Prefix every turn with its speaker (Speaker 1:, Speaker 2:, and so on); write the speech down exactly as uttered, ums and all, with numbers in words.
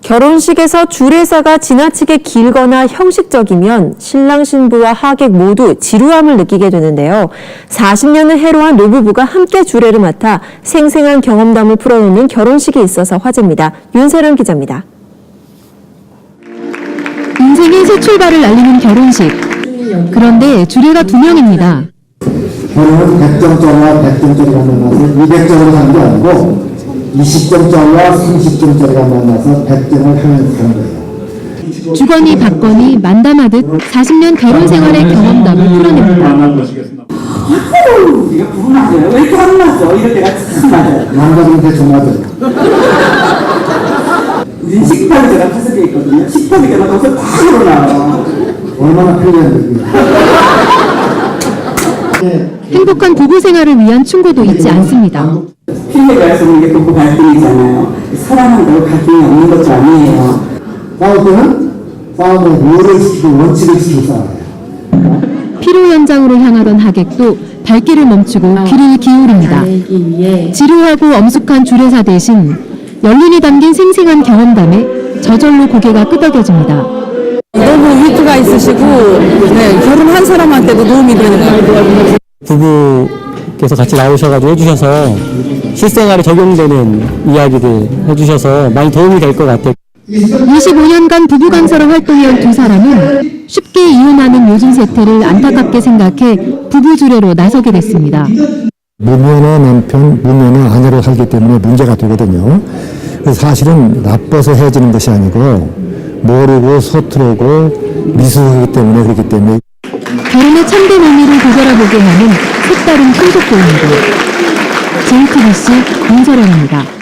Speaker 1: 결혼식에서 주례사가 지나치게 길거나 형식적이면 신랑 신부와 하객 모두 지루함을 느끼게 되는데요. 사십 년을 해로한 노부부가 함께 주례를 맡아 생생한 경험담을 풀어놓는 결혼식이 있어서 화제입니다. 윤세령 기자입니다.
Speaker 2: 인생의 새 출발을 알리는 결혼식. 그런데 주례가 두 명입니다.
Speaker 3: 결혼은 백 점짜리와 백 점짜리가 만나서 이백 점으로 가는 게 아니고 이십 점짜리와 삼십 점짜리가 만나서 백 점을 향해서 가는 거예요.
Speaker 2: 주거니 받거니 만담하듯 사십 년 결혼 생활의 경험담을 풀어냅니다.
Speaker 4: 아유, 네가 부부 맞아요. 왜 이렇게 안 맞아? 이럴 때가 참 맞아요.
Speaker 3: 남자들은 대충 맞아요.
Speaker 4: 우린 식탁이 제가 다섯 개 있거든요. 식탁이 제가 거기서 다 일어나요.
Speaker 3: 얼마나 편리한 얘기예요.
Speaker 2: 행복한 부부 생활을 위한 충고도 잊지 않습니다.
Speaker 4: 필요가 있으면 이게 부부 갈등이잖아요. 사랑한다고 갈등이 없는 것도 아니에요.
Speaker 3: 싸울 때는 싸움의 룰을 지키고 원칙을 지키고 싸워요.
Speaker 2: 피로 현장으로 향하던 하객도 발길을 멈추고 귀를 기울입니다. 지루하고 엄숙한 주례사 대신 연륜이 담긴 생생한 경험담에 저절로 고개가 끄덕여집니다.
Speaker 5: 너무 위트가 있으시고 네, 결혼한 사람한테도 도움이 되는 것 같아요.
Speaker 6: 부부께서 같이 나오셔가지고 해주셔서 실생활에 적용되는 이야기들 해주셔서 많이 도움이 될 것 같아요.
Speaker 2: 이십오 년간 부부 강사로 활동해온 두 사람은 쉽게 이혼하는 요즘 세태를 안타깝게 생각해 부부 주례로 나서게 됐습니다.
Speaker 7: 무면허 남편, 무면허 아내로 살기 때문에 문제가 되거든요. 그래서 사실은 나빠서 헤어지는 것이 아니고 모르고 서투르고 미숙하기 때문에 그렇기 때문에
Speaker 2: 결혼의 참된 의미를 되돌아보게 하는 색다른 풍속도입니다. 제이티비씨 윤서령입니다.